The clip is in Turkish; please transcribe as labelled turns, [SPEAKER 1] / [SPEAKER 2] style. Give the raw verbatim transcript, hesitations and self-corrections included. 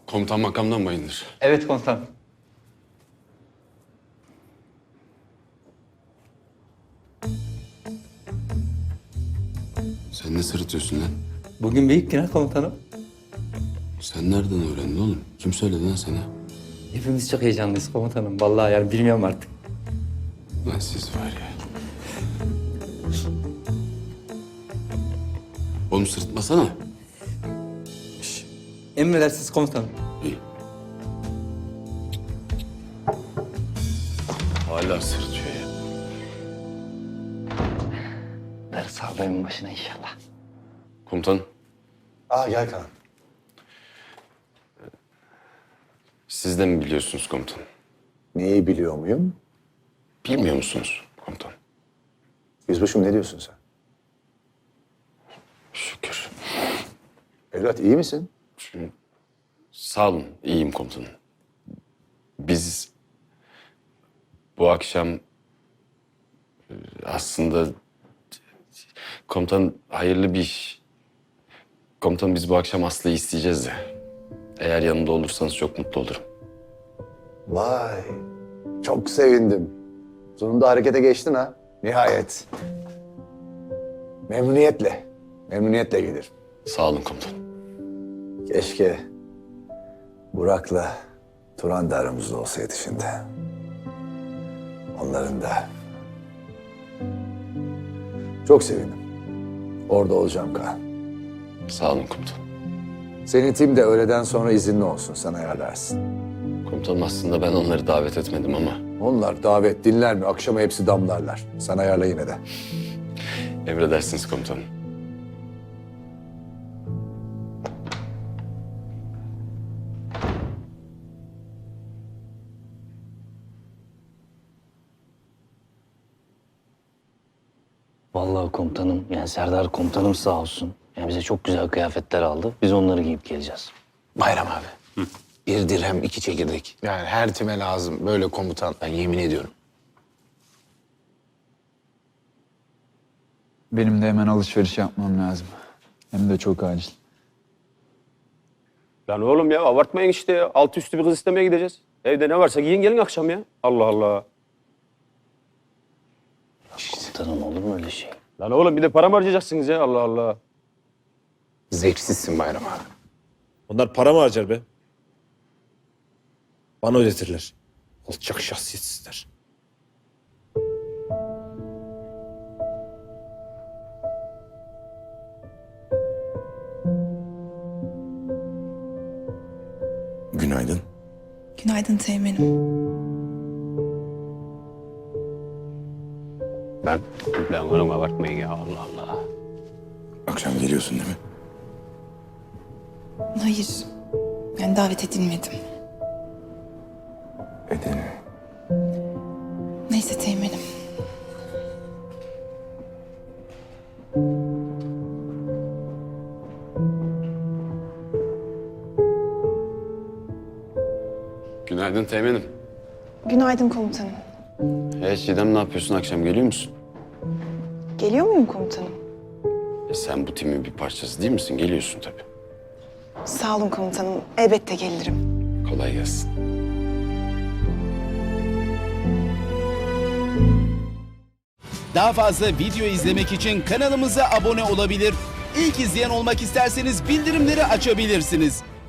[SPEAKER 1] Komutan makamdan bayındır.
[SPEAKER 2] Evet komutanım.
[SPEAKER 1] Sen ne sırıtıyorsun lan?
[SPEAKER 2] Bugün büyük günah komutanım.
[SPEAKER 1] Sen nereden öğrendin oğlum? Kim söyledi lan sana?
[SPEAKER 2] Hepimiz çok heyecanlıyız komutanım. Vallahi yani bilmiyorum artık.
[SPEAKER 1] Lan siz var ya. Oğlum sırıtmasana.
[SPEAKER 2] Emredersiniz komutanım.
[SPEAKER 1] İyi. Hala sırıtıyor ya.
[SPEAKER 2] Darısı haberin başına inşallah.
[SPEAKER 1] Komutan,
[SPEAKER 3] Aa gel Kaan.
[SPEAKER 1] siz de mi biliyorsunuz komutan?
[SPEAKER 3] Neyi biliyor muyum?
[SPEAKER 1] Bilmiyor musunuz komutan?
[SPEAKER 3] Yüzbaşım ne diyorsun sen?
[SPEAKER 1] Şükür.
[SPEAKER 3] Evlat iyi misin?
[SPEAKER 1] Sağ olun, iyiyim komutanım. Biz bu akşam e, aslında komutan hayırlı bir iş. Komutan biz bu akşam Aslı'yı isteyeceğiz de. Eğer yanında olursanız çok mutlu olurum.
[SPEAKER 3] Vay. Çok sevindim. Sonunda harekete geçtin ha. Nihayet. Memnuniyetle. Memnuniyetle gelir.
[SPEAKER 1] Sağ olun komutan.
[SPEAKER 3] Keşke Burak'la Turan da aramızda olsaydı şimdi. Onların da. Çok sevindim. Orada olacağım Kaan.
[SPEAKER 1] Sağ olun komutan.
[SPEAKER 3] Senin tim de öğleden sonra izinli olsun. Sen ayarlarsın.
[SPEAKER 1] Komutanım aslında ben onları davet etmedim ama
[SPEAKER 3] Onlar davet dinler mi? Akşama hepsi damlarlar. Sen ayarla yine de.
[SPEAKER 1] emredersiniz komutanım.
[SPEAKER 4] Vallahi komutanım, yani Serdar komutanım sağ olsun. Yani bize çok güzel kıyafetler aldı. Biz onları giyip geleceğiz.
[SPEAKER 5] Bayram abi. Bir dirhem iki çekirdek. Yani her time lazım böyle komutan. Ben yemin ediyorum.
[SPEAKER 6] Benim de hemen alışveriş yapmam lazım. Hem de çok acil.
[SPEAKER 7] Lan oğlum ya abartmayın işte ya. Altı üstü bir kız istemeye gideceğiz. Evde ne varsa giyin gelin akşam ya. Allah Allah.
[SPEAKER 4] Komutanım olur mu öyle şey?
[SPEAKER 7] Lan oğlum bir de para mı harcayacaksınız ya Allah Allah.
[SPEAKER 5] Zevksizsin Bayram abi.
[SPEAKER 8] Onlar para mı harcar be? Bana ödetirler. Alçak şahsiyetsizler.
[SPEAKER 1] Günaydın.
[SPEAKER 9] Günaydın Teğmen'im.
[SPEAKER 7] Lan, lan oğlum abartmayın ya Allah Allah.
[SPEAKER 1] Akşam geliyorsun değil mi?
[SPEAKER 9] Hayır. Yani davet edilmedim.
[SPEAKER 1] Edelim.
[SPEAKER 9] Neyse Teğmen'im.
[SPEAKER 1] Günaydın Teğmen'im.
[SPEAKER 9] Günaydın komutanım.
[SPEAKER 1] Hey Çiğdem ne yapıyorsun akşam geliyor musun?
[SPEAKER 9] Geliyor muyum komutanım?
[SPEAKER 1] E sen bu timin bir parçası değil misin? Geliyorsun tabii.
[SPEAKER 9] Sağ olun komutanım. Elbette gelirim.
[SPEAKER 1] Kolay gelsin.
[SPEAKER 10] Daha fazla video izlemek için kanalımıza abone olabilir. İlk izleyen olmak isterseniz bildirimleri açabilirsiniz.